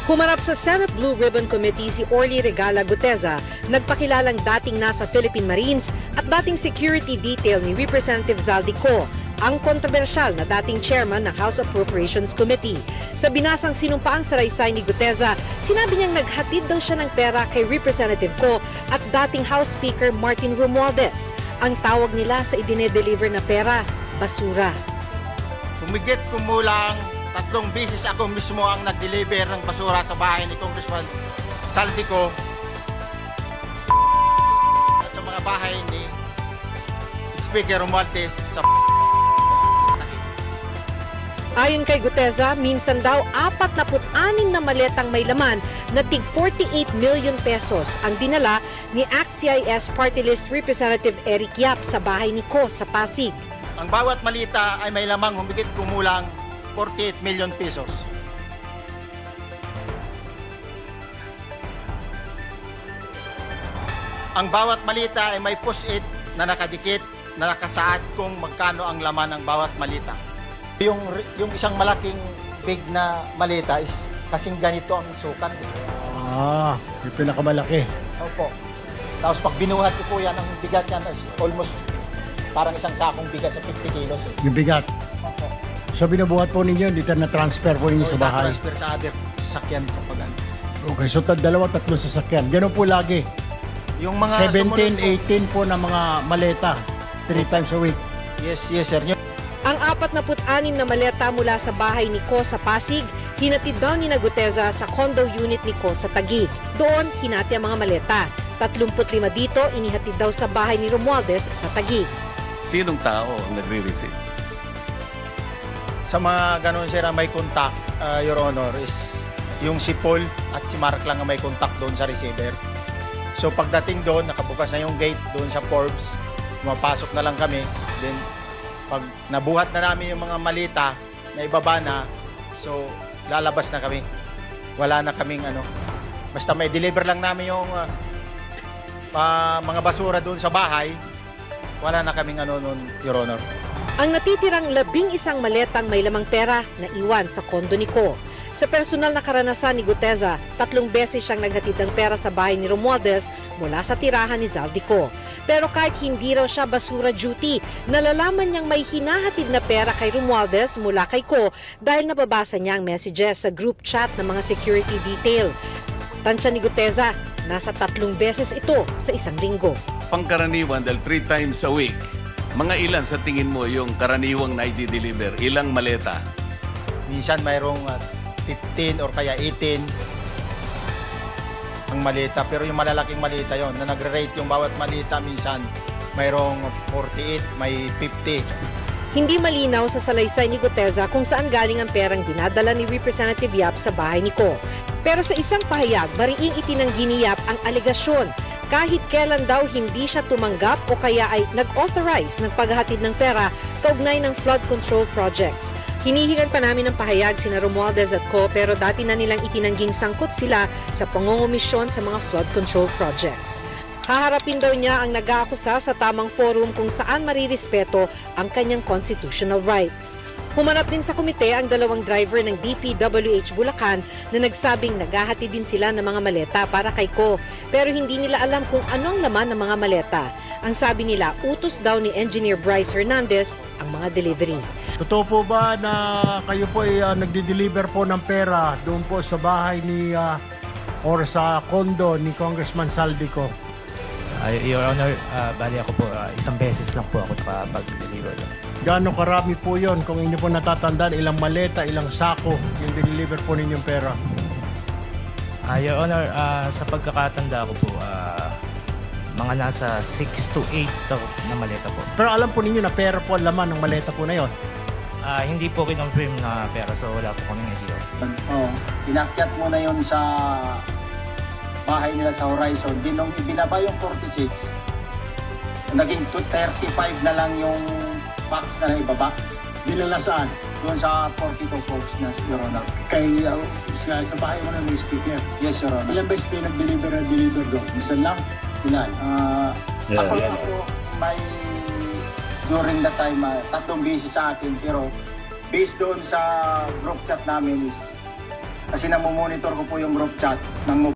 Humarap sa Senate Blue Ribbon Committee si Orly Regala Guteza, nagpakilalang dating nasa Philippine Marines at dating security detail ni Representative Zaldico, ang kontrobersyal na dating chairman ng House Appropriations Committee. Sa binasang sinumpaang salaysay ni Guteza, sinabi niyang naghatid daw siya ng pera kay Representative Co at dating House Speaker Martin Romualdez. Ang tawag nila sa idinedeliver na pera, basura. Humigit kumulang 3 beses ako mismo ang nag-deliver ng basura sa bahay ni Congressman Zaldico at sa mga bahay ni Speaker Romualdez sa Ayon kay Guteza, minsan daw 46 na maletang may laman na tig 48 million pesos ang dinala ni ACT-CIS Party List Representative Eric Yap sa bahay ni Co sa Pasig. Ang bawat malita ay may lamang humigit kumulang 48 million pesos. Ang bawat malita ay may post-it na nakadikit na nakasaad kung magkano ang laman ng bawat malita. Yung isang malaking big na malita is kasing ganito ang sukat. Yung pinakamalaki. Opo. Tapos pag binuhat ko po yan, ang bigat yan is almost parang isang sakong bigat sa 50 kilos. Yung bigat. Opo. So binubuhat po ninyo, dito na-transfer po ninyo sa bahay. Transfer sa other sasakyan kapag ano. Okay, so 2-3 sasakyan. Ganun po lagi. Yung mga 17, sumunod 18 po na mga maleta. 3 times a week. Yes, sir. Ang 46 na maleta mula sa bahay ni Co sa Pasig, hinatid daw ni Guteza sa condo unit ni Co sa Taguig. Doon, hinati ang mga maleta. 35 dito, inihatid daw sa bahay ni Romualdez sa Taguig. Sinong tao ang nagre-receive? Sa mga ganun sir ang may contact, Your Honor, is yung si Paul at si Mark lang ang may contact doon sa receiver. So pagdating doon, nakabukas na yung gate doon sa Forbes, pumapasok na lang kami. Then pag nabuhat na namin yung mga malita na ibaba na, so lalabas na kami. Wala na kaming ano. Basta may deliver lang namin yung mga basura doon sa bahay, wala na kaming ano noon, Your Honor. Ang natitirang 11 maletang may lamang pera na iwan sa kondo ni Co. Sa personal na karanasan ni Guteza, 3 beses siyang naghatid ng pera sa bahay ni Romualdez mula sa tirahan ni Zaldico. Pero kahit hindi raw siya basura duty, nalalaman niyang may hinahatid na pera kay Romualdez mula kay Co dahil nababasa niya ang messages sa group chat ng mga security detail. Tansya ni Guteza, nasa 3 beses ito sa isang linggo. Pangkaraniwan dahil 3 times a week, mga ilan sa tingin mo yung karaniwang na i-deliver? Ilang maleta? Minsan mayroong 15 or kaya 18 ang malita, pero yung malalaking malita yon na nagre-rate yung bawat malita, minsan mayroong 48, may 50. Hindi malinaw sa salaysay ni Guteza kung saan galing ang perang dinadala ni Representative Yap sa bahay ni Co. Pero sa isang pahayag, mariing itinanggi ni Yap ang alegasyon. Kahit kailan daw hindi siya tumanggap o kaya ay nag-authorize ng paghahatid ng pera kaugnay ng flood control projects. Hinihingan pa namin ng pahayag sina Romualdez at Co pero dati na nilang itinangging sangkot sila sa pangungumisyon sa mga flood control projects. Haharapin daw niya ang nag-aakusa sa tamang forum kung saan marirespeto ang kanyang constitutional rights. Humanap din sa komite ang 2 driver ng DPWH Bulacan na nagsabing naghahati din sila ng mga maleta para kay Co. Pero hindi nila alam kung anong laman ng mga maleta. Ang sabi nila, utos daw ni Engineer Bryce Hernandez ang mga delivery. Totoo po ba na kayo po ay nagdi-deliver po ng pera doon po sa bahay ni or sa condo ni Congressman Zaldico? Your Honor, bali ako po, 1 beses lang po ako nakapag-deliver. Gaano karami po yon kung inyo po natatandaan, ilang maleta, ilang sako yung deliver po ninyong pera? Your Honor, sa pagkakatanda ko po, mga nasa 6 to 8 na maleta po. Pero alam po ninyo na pera po ang laman ng maleta po na yon. Hindi po kinonfirm na pera, so wala po kaming idea. Inakyat mo na yon sa bahay nila sa Horizon. Di nung ibinaba yung 46, naging 35 na lang yung box na ibaba. Dinala saan? Doon sa 42 folks na, Your Honor. Kay sa bahay mo na may speaker. Yes, Your Honor. Ilang beses kayo nag-deliver doon? Minsan lang? Ilan? Ako may during that time, 3 beses sa akin. Pero based doon sa group chat namin is Kasi namomonitor ko po yung group chat ng